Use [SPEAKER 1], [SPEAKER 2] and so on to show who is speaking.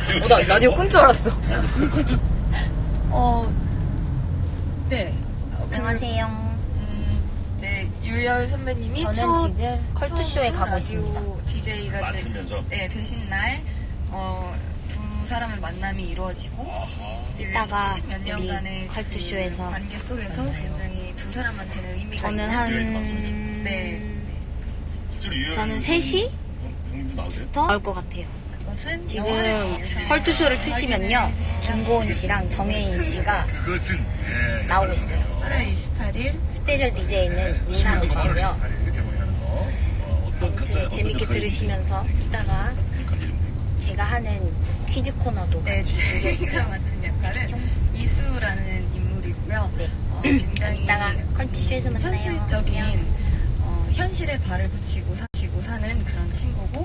[SPEAKER 1] 나 라디오 끈 줄 알았어.
[SPEAKER 2] 네.
[SPEAKER 3] 안녕하세요.
[SPEAKER 2] 이제 유열 선배님이
[SPEAKER 3] 저는 지금 컬투쇼에 가고 있습니다.
[SPEAKER 2] DJ가
[SPEAKER 4] 맡으면서?
[SPEAKER 2] 되신 날, 두 사람의 만남이 이루어지고,
[SPEAKER 3] 이따가
[SPEAKER 2] 몇 년간의
[SPEAKER 3] 우리 컬투쇼에서
[SPEAKER 2] 그 관계 속에서 굉장히 두 사람한테는 의미가
[SPEAKER 3] 저는
[SPEAKER 2] 있는 네.
[SPEAKER 3] 저는 3시부터
[SPEAKER 4] 형님도 나오세요?
[SPEAKER 3] 나올 것 같아요.
[SPEAKER 2] 그것은
[SPEAKER 3] 지금
[SPEAKER 2] 영화를
[SPEAKER 3] 컬투쇼를 트시면요, 김고은 씨랑 정혜인 씨가
[SPEAKER 4] 그것은
[SPEAKER 3] 나오고 있어요.
[SPEAKER 2] 8월 28일
[SPEAKER 3] 스페셜 DJ는 민상이고요. 재밌게 들으시면서 이따가 제가 하는 퀴즈 코너도
[SPEAKER 2] 네,
[SPEAKER 3] 같이
[SPEAKER 2] 제가
[SPEAKER 3] 즐겨주세요.
[SPEAKER 2] 맡은 역할은 미수라는 인물이고요.
[SPEAKER 3] 네.
[SPEAKER 2] 굉장히
[SPEAKER 3] 이따가 컬투쇼에서 만나요.
[SPEAKER 2] 현실적인 현실에 발을 붙이고 사는 그런 친구고